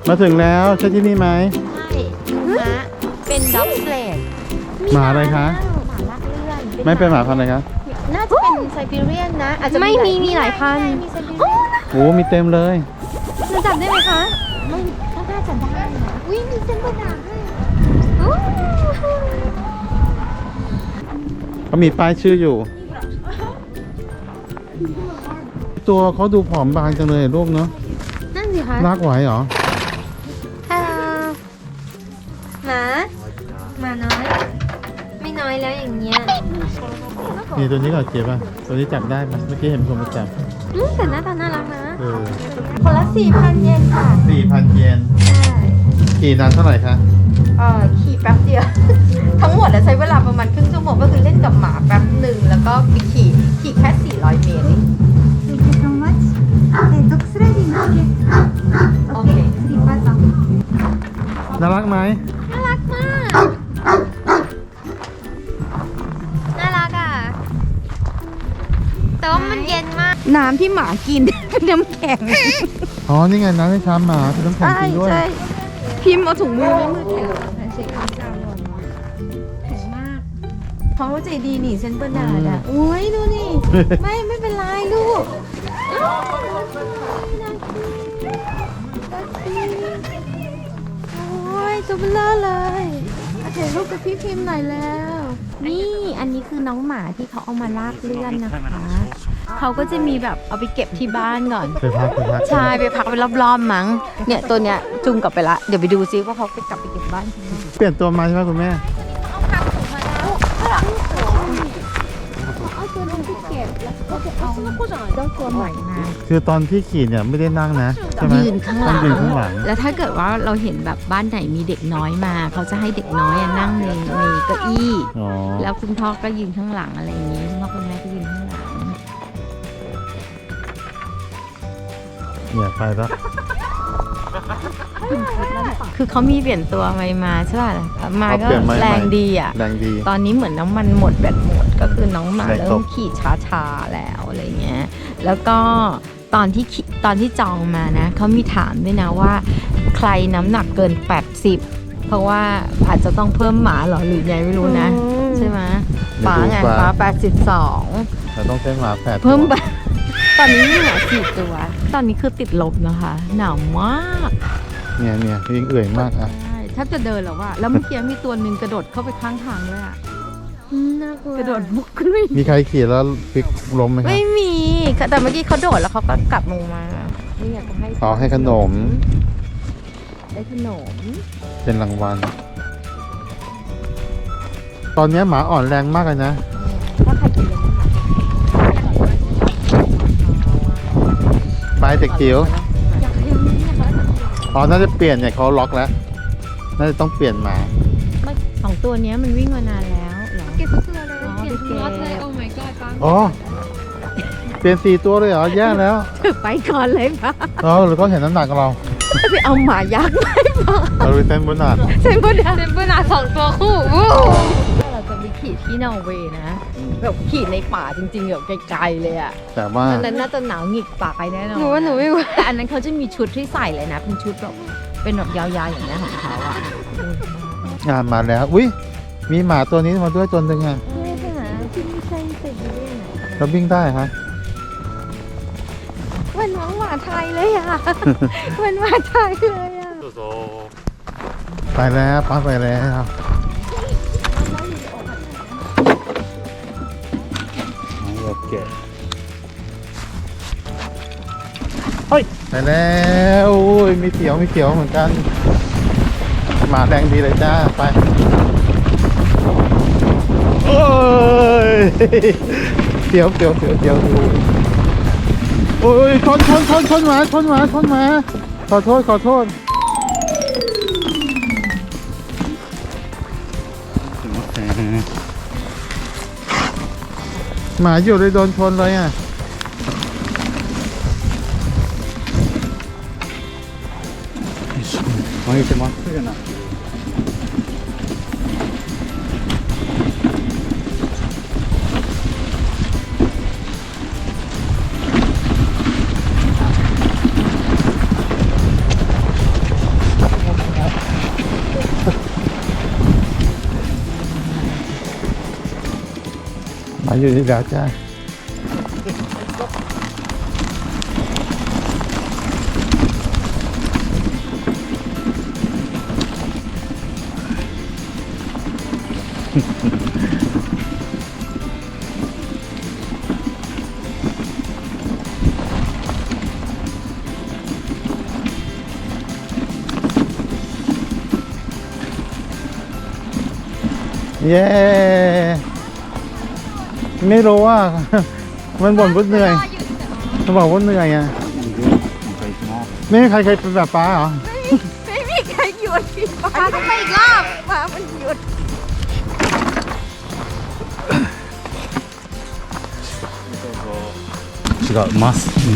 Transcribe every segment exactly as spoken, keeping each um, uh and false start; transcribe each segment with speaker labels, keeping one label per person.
Speaker 1: มาถึงแล้วใช่ที่นี่ไหม
Speaker 2: ใช่ม้าเป็นด็อกสเลด
Speaker 1: หมาอะไรคะ
Speaker 2: หมาลากเลื่อน
Speaker 1: ไม่เป็นหมาพันธุ์อะไรคะ
Speaker 2: น่าจะเป็นไซบีเรียนนะอาจจะไม่มีมีหลายพันธุ์มีไซบีเรียน
Speaker 1: โอ้มีเต็มเลย
Speaker 2: จะจับได้ไหมคะไม่ก็น่าจะได้นะอุ้ยมีเส้นบดาด้วยอู้
Speaker 1: เขามีป้ายชื่ออยู่ ตัวเขาดูผอมบางจังเลยลูกเนาะ
Speaker 2: นั่นสิคะ
Speaker 1: ลากไหวเหรอ
Speaker 2: ฮัลโหลหมาหมาน้อย ไม่น้อยแล้วอย่างเงี้ย
Speaker 1: นี่ตัวนี้ก่อนเจ็บป่ะตัวนี้จับได้ไหมเมื่อกี้เห็นคนมาจับ
Speaker 2: อืมแต่หน้าตาน่ารักนะ
Speaker 1: เออ
Speaker 2: คนละสี่พันเยนค่ะ
Speaker 1: สี่พันเยน
Speaker 2: ใช่
Speaker 1: กี่นานเท่าไหร่คะ
Speaker 2: เอ่อขี่แป๊บเดียว ทั้งหมดอะใช้เวลาประมาณครึ่งชั่วโมงก็คือเล่นกับหมาแป๊บหนึ่งแล้วก็ไปขี่ขี่แค่สี่ร้อยเมตรเอง
Speaker 3: Thank you so much. えードッグスライディング OK。
Speaker 2: โอเค
Speaker 3: スリーパーさん。
Speaker 1: น่ารักไหม
Speaker 2: น่ารักมาก น่ารักอ่ะ แต่ว่ามันเย็นมาก
Speaker 3: น้ำที่หมากิน เป็นน้ำแข็ง
Speaker 1: อ๋อนี่ไงน้ำให้ช้าหมาเป็นน้ำแข็ง
Speaker 3: ใช่
Speaker 1: จริงด้วย
Speaker 3: ใช่พิมพ์เอาถุงมือไม่มือแข็งเช็คความจำก่อนแข็งมากเขาใจดีนี่เซนเบอร์นาร์ดอ่ะโอ้ยดูนี่ ไม่ไม่เป็นไรลูกโอ้ยตัวเบลอเลยถ่ายรูปกับพี่พิมพ์หน่อยแล้ว นี่อันนี้คือน้องหมาที่เขาเอามาลากเลื่อนนะคะ เขาก็จะมีแบบเอาไปเก็บที่บ้านก่อน
Speaker 1: ไปพักไปพัก
Speaker 3: ใช่ไปพักไปรอบๆมั้งเนี่ยตัวเนี้ยจุงกลับไปละเดี๋ยวไปดูซิว่าเขาไปกลับไปเก็บบ้านที่ไหน
Speaker 1: เปลี่ยนตัวมาใช่ไหมคุณแม่
Speaker 3: เอาตัวนึงที่เก็บแล้วก็จะเอาเจ้าตัวใหม่มา
Speaker 1: คือตอนที่ขี่เนี่ยไม่ได้นั่งนะใช่ไหม
Speaker 3: ยืนข้างหลั
Speaker 1: ต้อง งยืนข้างหลัง
Speaker 3: แล้วถ้าเกิดว่าเราเห็นแบบบ้านไหนมีเด็กน้อยมา เขาจะให้เด็กน้อยอะนั่งในในเก้าอี้
Speaker 1: อ๋อ
Speaker 3: แล้วคุณพ่อก็ยืนข้างหลังอะไรอย่างนี้คุณพ่อคุณแม่ก็ยืนข้างหลัง
Speaker 1: เนี่ยไปแล้ว
Speaker 3: คือเขามีเปลี่ยนตัวใหม่มาใช่ป่ะมา
Speaker 1: เขา
Speaker 3: ก็
Speaker 1: เปลี่ยนมาใหม่
Speaker 3: แรงดีอ่ะ
Speaker 1: แรงดี
Speaker 3: ตอนนี้เหมือนน้ำมันหมดแบตหมดก็คือน้องหมา
Speaker 1: แรงตก
Speaker 3: เริ่มขี่ช้าๆแล้วอะไรเงี้ยแล้วก็ตอนที่ขี่ตอนที่จองมานะเขามีถามด้วยนะว่าใครน้ำหนักเกินแปดสิบเพราะว่าอาจจะต้องเพิ่มหมาเหรอหรือไงไม่รู้นะ ใช่ไหมป๋าไงป๋าแปดสิบสอง
Speaker 1: เราต้องใช้หมาแปดตัว
Speaker 3: เพิ่มไปตอนนี้มีหมาสี่ตัว ตอนนี้คือติดลบนะคะหนาวมาก
Speaker 1: เนี่ยเนี่ยยิงเอื่อยมากอ่ะ
Speaker 3: ใช่แทบจะเดินแล้วว่าแล้วเมื่อกี้มีตัวหนึ่งกระโดดเข้าไปข้างทางด้วยอะ
Speaker 2: น่ากลัว
Speaker 3: กระโดดบุกขึ้นไป
Speaker 1: มีใครขี่แล้วพลิกล้มไหมครับ
Speaker 3: ไม่มีแต่เมื่อกี้เขาโดดแล้วเขาก็กลับลงมานี่อยากจะให้
Speaker 1: อ๋อให้ขนม
Speaker 3: ได้ขนม
Speaker 1: เป็นรางวัล ตอนนี้หมาอ่อนแรงมากเลยนะ
Speaker 3: ถ้าใครกินเลยนะคะ
Speaker 1: ไปเด็กจิ๋วอ๋อน่าจะเปลี่ยนเนี่ยเขาล็อกแล้ว น่าจะต้องเปลี่ยนหมา
Speaker 3: ไม่สองตัวเนี้ยมันวิ่งมานานแล้วเหรอ
Speaker 2: เก็บทุกตัวเลย
Speaker 3: อ๋อ
Speaker 2: เปลี่ยนทุกรถเลย
Speaker 3: โอ
Speaker 2: โอ้ my god ปัง
Speaker 1: อ๋อ เปลี่ยนสี่ตัวเลยเหรอ แย่แล้ว
Speaker 3: ถือไปก่อนเลยปะ
Speaker 1: อ๋อหรือเขาเห็นน้ำหนักเรา
Speaker 3: ไปเอาหมายักษ์มาให้ปะ
Speaker 1: เราดูเส้นบนหนาด
Speaker 3: เซนบูดา
Speaker 2: เซมเบอร์นาสองตัวคู่วู้
Speaker 3: เราจะไปขี่ที่นอร์เวย์นะแบบขี่ในป่าจริงๆแบบไกลๆเลยอะ
Speaker 1: แต่ว่า
Speaker 3: อันนั้นน่าจะหนาวหงิกปากไปแน่นอน
Speaker 2: หนูว่าหนูไม่ไหว
Speaker 3: แต่อันนั้นเขาจะมีชุดที่ใส่เลยนะ เป็นชุดแบบเป็นแบบยาวๆอย่างนี้ยของเขาอ่ะ
Speaker 1: งานมาแล้ว อุ้ยมีหมาตัวนี้มาด้วยตัวหนึ่งอ่ะ
Speaker 2: ไม่ใช่หมาที่ไม่ใช่ไซบีเรียนอะ
Speaker 1: เราวิ่งได้ฮะ
Speaker 3: เหมือนน้องหมาไทยเลยอ่ะ เหมือนหมาไทยเลยอ่ะ
Speaker 1: ไปแล้วป้าไปแล้วโอเคเฮ้ยไปแล้วโอ้ยมีเขียวมีเขียวเหมือนกันหมาแดงดีเลยจ้าไปโอ้ยเขียวเขียวเขียวเขียวโอ้ยชนชนชนชนหมาชนหมาชนหมาขอโทษขอโทษหมาอยู่เลยโดนชนเลยอ่ะมาอีกมั้ยมาอยู่ที่แล้วจ้าเย้ ไม่รู้ว่า มันบ่นว่าเหนื่อยมันบอกว่าเหนื่อยอ่ะไม่มีใครเคยเป็นแบบป้าเหรอ
Speaker 2: ไม่มีใครหยุดป้าต้องไปอีกรอบป้ามันหยุด
Speaker 1: 違います、うん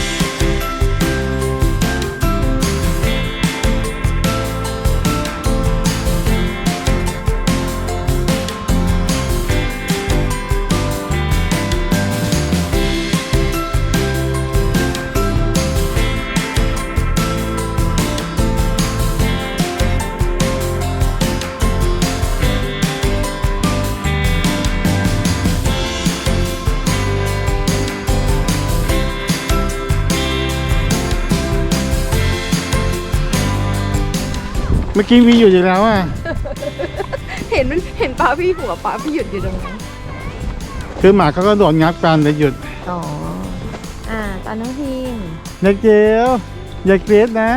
Speaker 1: เมื่อกี้มีอยู่อีกแล้วอ่ะ
Speaker 2: เห็นมันเห็นป้าพี่หัวป้าพี่หยุดอยู่ตรงนั้น
Speaker 1: คือหมาเขาก็โดดงับกันเลยหยุด
Speaker 3: อ๋อ อ่า ตอนน้องพิม
Speaker 1: เด็กเจียวอย่ากรี๊ดนะ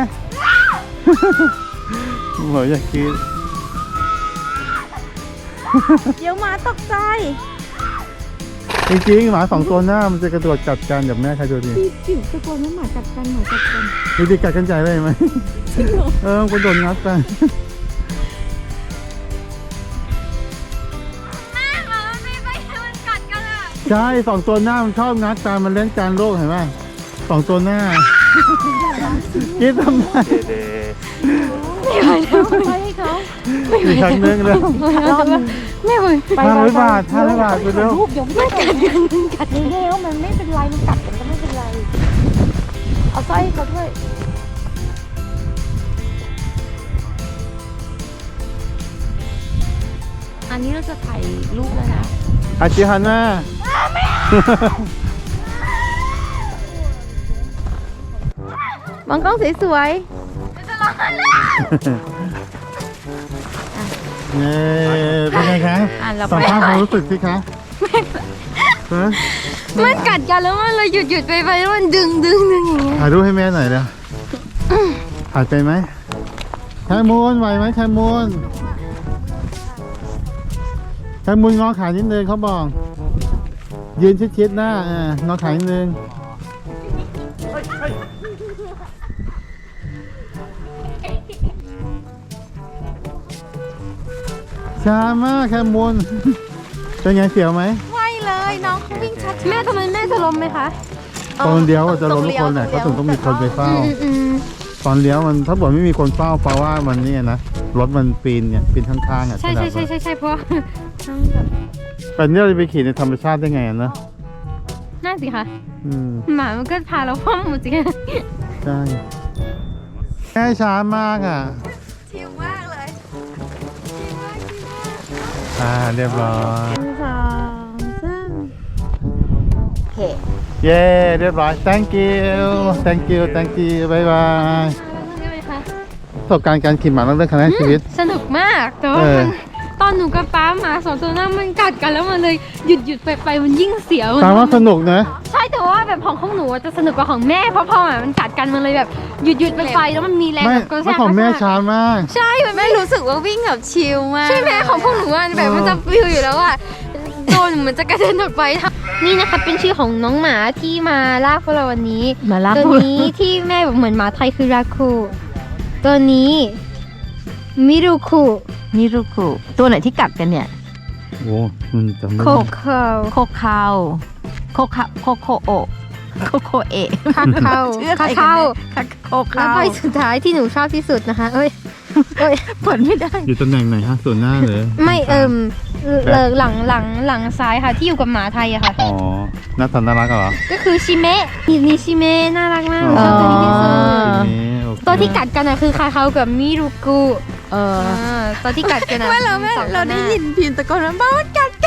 Speaker 1: โหอย่ากรี๊ด
Speaker 3: เดี๋ยวหมาตกใจ
Speaker 1: จริงๆหมาสองตัวหน้ามันจะกระโดดกัดกันแบบแม่ใครดูดิ
Speaker 3: พี่จิ๋วตะโกนว่าหมากัดกันหมากัดกัน
Speaker 1: ดูดิกัดกันใจเลยไหมเออมันกระโดดงับกัน ใช่สองตัวหน้ามันชอบงัดกันมันเล่นการโลกเห็นไหมสองตัวหน้าคิดทำไม
Speaker 3: ไปให้เขา
Speaker 1: อีกครั้งนึงแล้ว
Speaker 3: ไม่ไหว
Speaker 1: ห้าร้อยบาทห้าร้อยบาทไปเร็ว
Speaker 3: รูปเดี๋ยวไม่กัดกันกัดแล้วมันไม่เป็นไรมันกัดกันก็ไม่เป็นไร เอาสร้อยให้เขาด้วย อันนี้เราจะถ่ายรูปแล้วนะ
Speaker 1: อาชิฮันน่า
Speaker 3: มองกล้องสวย
Speaker 1: เย้เป็นไงคะ
Speaker 3: อ่ะเราไป
Speaker 1: สัมภาษณ์ความรู้สึกสิคะฮะ
Speaker 3: ๆมันกัดกันแล้วมันเลยหยุดหยุดไปไปแล้วมันดึงดึงดึงอย่างเงี้ย
Speaker 1: ถ่ายรูปให้แม่หน่อยเร็วถ่ายไปไหมแคมูนไหวไหมแคมูนแคมูนงอขานิดนึงเขาบอก ยืนชิดๆหน้าอ่างอขานิดนึงช้ามากแคมูนเป็นไงเสียวไหม
Speaker 2: ไม่เลยน้องเขาวิ่งชัด
Speaker 3: แม่ทำไมแม่จะล้มไหมคะ
Speaker 1: ตอนเลี้ยวอะจะล้มทุกคนแหละเขาถึงต้องมีคนไปเฝ้า ตอนเลี้ยวมันถ้าบอกไม่มีคนเฝ้าเพราะว่ามันนี่นะรถมันปีนเนี่ยปีนข้างๆอ่ะ
Speaker 3: ใช่ใช่ใช่ใช่ใช่เพราะ
Speaker 1: แต่เนี่ยเราจะไปขี่ในธรรมชาติได้ไงอะเนอะ
Speaker 3: น่าสิคะ
Speaker 1: อืม
Speaker 3: หมามันก็พาเราพ่อมหมดสิคะ
Speaker 1: ใช่แค่ช้ามากอ่ะ
Speaker 2: ชิลมากเลยชิลมากชิลมาก
Speaker 1: อ่าเรียบร้อย
Speaker 3: สองสามโอเค
Speaker 1: เย้เรียบร้อย thank you thank you thank you บ๊ายบาย
Speaker 3: ใช่ไหมคะ
Speaker 1: ประสบการณ์การขี่หมาต้องเรื่องครั้งแรกในชีวิต
Speaker 3: สนุกมากแต่ว่า
Speaker 1: เออ
Speaker 3: มันตอนหนูกับป้าหมาสองตัวนั้นมันกัดกันแล้วมันเลยหยุดหยุดไปไปมันยิ่งเสียว
Speaker 1: ตามว่าสนุกนะ
Speaker 3: ใช่แต่ว่าแบบของของหนูอะจะสนุกกว่าของแม่เพราะพอหมามันกัดกันมันเลยแบบหยุดหยุดไปไปแล้วมันมีแรง
Speaker 1: ไม่
Speaker 3: แบบกระ
Speaker 1: ไม่
Speaker 3: แทก
Speaker 1: ของแม่
Speaker 3: กระแทก
Speaker 1: ช้ามาก
Speaker 3: ใช่มัน
Speaker 2: แม่
Speaker 3: ไม่
Speaker 2: รู้สึกว่าวิ่งแบบชิลมาก
Speaker 3: ใช่ไหมของพวกหนูอะแบบมันจะฟิวอยู่แล้วอะโดนเหมือนจะกระเด็นออกไปนี่นะคะเป็นชื่อของน้องหมาที่มาลากพวกเราวันนี้
Speaker 4: มาลาก
Speaker 3: ตัวนี้ที่แม่บอกเหมือนหมาไทยคือราคูตัวนี้มิรุคุ
Speaker 4: มิรุคุตัวไหนที่กัดกันเนี่ย
Speaker 1: โอ้มันจำไม่
Speaker 3: โค
Speaker 1: ได้
Speaker 3: เคา
Speaker 4: โคคาวโคคาโคโคโอะโคโคเอะ
Speaker 3: คาเข้า
Speaker 4: ชื่ออะไร
Speaker 3: คา
Speaker 4: กัน
Speaker 3: เข้า
Speaker 4: เนี่ยโค
Speaker 3: แล้
Speaker 4: คาว ว
Speaker 3: ใบสุดท้ายที่หนูชอบที่สุดนะคะ เอ้ยเอ้ย
Speaker 4: เปิดไม่ได้
Speaker 1: อยู่ตำแหน่งไหนฮะส่วนหน้าหรือ
Speaker 3: ไม่เอิมเลิกหลังหลังหลังซ้ายค่ะที่อยู่กับหมาไทยอะค่ะ
Speaker 1: อ๋อน่าทันน่ารักเหรอ
Speaker 3: ก็คือชิเมะนี่นี่ชิเมะน่ารักมากหนูชอบตัวนี้ที่สุด
Speaker 1: ทีนี้โอเค
Speaker 3: ตัวที่กัดกันอะคือคาเขากับมิรุกุ
Speaker 4: เออ
Speaker 3: อ่าตัวที่กัดกันอะ
Speaker 2: ไม่เราแม่
Speaker 3: สองตัว
Speaker 2: เราได้
Speaker 3: หน้
Speaker 2: ยินพิมพ์ตะโกนว่าบ้ามันกัดกัน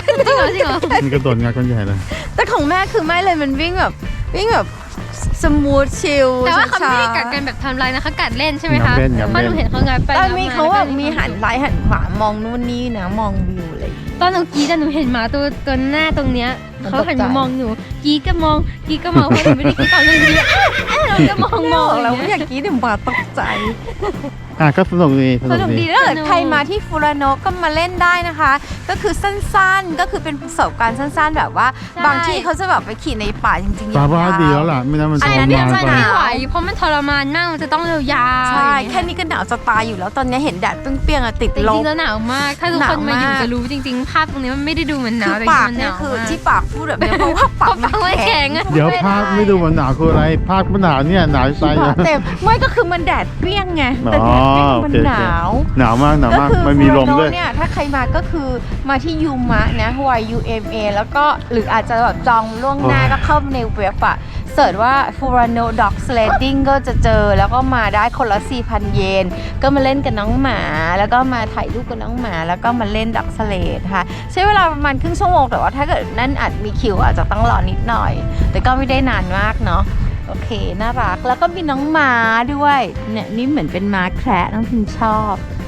Speaker 5: จริงเหรอจริงเหรอ
Speaker 1: มันกระโดดงาคนใหญ่เลย
Speaker 3: แต่ของแม่คือไม่เลยมันวิ่งแบบวิ่งแบบสมูทชิล
Speaker 5: แต่ว่าเขาไม่ได้
Speaker 3: ช้ๆ
Speaker 5: กัดกันแบบทำลายนะเขากัดเล่นใช่ไหมคะ
Speaker 1: งับเล่นงับ
Speaker 5: เพราะห
Speaker 1: เล่
Speaker 5: นู
Speaker 1: น
Speaker 5: เห็นเขางัดไป
Speaker 3: ตอน
Speaker 5: งับ
Speaker 3: มี
Speaker 5: มา
Speaker 3: เขาแบบ
Speaker 5: แล้วก็
Speaker 3: มีหันซ้ายหันขวามองนู่นนี่นะมองวิวอะไรอย่างเงี้ย
Speaker 5: ตอนหนูกรีดอะหนูเห็นหมาตัวตัวหน้าตรงเนี้ย
Speaker 3: มัน
Speaker 5: เขาหัน
Speaker 3: ตกใจ
Speaker 5: มามองหนูกรีดก็มองกรีดก็มองเพราะหนูไม่ได้กรีดตอนหนูกรีดเราก็มองมอง
Speaker 3: เรา
Speaker 5: อย่าง
Speaker 3: ไม่
Speaker 5: เงี้ย
Speaker 3: อยากกรีดเดี๋ยวหมาตกใจ
Speaker 1: อ่ะก็สนุกดีส
Speaker 3: ส
Speaker 1: นุ
Speaker 3: นุ
Speaker 1: ก
Speaker 3: ก
Speaker 1: ดี
Speaker 3: ดีถ้าเกิด
Speaker 5: สนุก
Speaker 3: ใครมาที่ฟูรานโนะก็มาเล่นได้นะคะ ก็คือสั้นๆก็คือเป็นประสบการณ์สั้น ๆ แบบว่า บางที่เขาจะแบบไปขี่ในป่าจริงๆ
Speaker 1: ปลาว่าดี
Speaker 3: ย
Speaker 1: แล้วล่ะไม่นั้นมันท
Speaker 3: อัน
Speaker 1: ร
Speaker 3: นั้น
Speaker 1: มาน
Speaker 3: จะ
Speaker 1: ไป
Speaker 3: หนาว
Speaker 5: ไม่ไหวเพราะมันทรมานมากมันจะต้องยาวๆ
Speaker 3: ใช่
Speaker 5: อย่างเงี้ย
Speaker 3: แค่นี้ก็หนาวจะตายอยู่แล้วตอนนี้เห็นแดดเปรี้ยงๆอะติด
Speaker 5: แต่
Speaker 3: ล
Speaker 5: จริ
Speaker 3: บ
Speaker 5: งๆแล้วหนาวมาก ถ้าทุกคนมาอยู่
Speaker 3: หนาวมาก
Speaker 5: จะรู้จริงๆ ภาพตรงนี้มันไม่ได้ดูเหมือนหนา
Speaker 3: คื
Speaker 5: ว
Speaker 3: อ
Speaker 5: แต่
Speaker 3: ปาก
Speaker 5: มันห
Speaker 3: เนี่
Speaker 5: นาย ว
Speaker 3: คือ
Speaker 5: มาก
Speaker 3: ที่ปากพูดแบบนี้เพราะว่าปาก
Speaker 5: เพราะปากมันแข็งอะ
Speaker 1: เดี๋ยวภาพไม่ดูมันหนาวคืออะไรภาพมันหนาวเนี่ยหนาวใจ
Speaker 3: ปากเต็มไม่ก็คือมันแดดเปรี้ยงไงแต่แดดเปรี้ยงมันหนาว
Speaker 1: หนาวมากหนาว
Speaker 3: ก็
Speaker 1: มาก
Speaker 3: คือ
Speaker 1: มันมีลมด้วย
Speaker 3: ฟูรานโนะเนี่ยถ้าใครมาก็คือมาที่ยูมะนะ Y U M A แล้วก็หรืออาจจะแบบจองล่วงหน้าก็เข้าในเว็บอะเสิร์ชว่า Furano Dog Sledding ก็จะเจอแล้วก็มาได้คนละ สี่พัน เยน ก็มาเล่นกับน้องหมา แล้วก็มาถ่ายรูปกับน้องหมา แล้วก็มาเล่นด็อกสเลดค่ะใช้เวลาประมาณครึ่งชั่วโมงแต่ว่าถ้าเกิดนั่นอาจมีคิวอาจจะต้องรอนิดหน่อย แต่ก็ไม่ได้นานมากเนาะโอเคน่ารักแล้วก็มีน้องม้าด้วยเนี่ยนี่เหมือนเป็นม้าแคระน้องพิมชอบ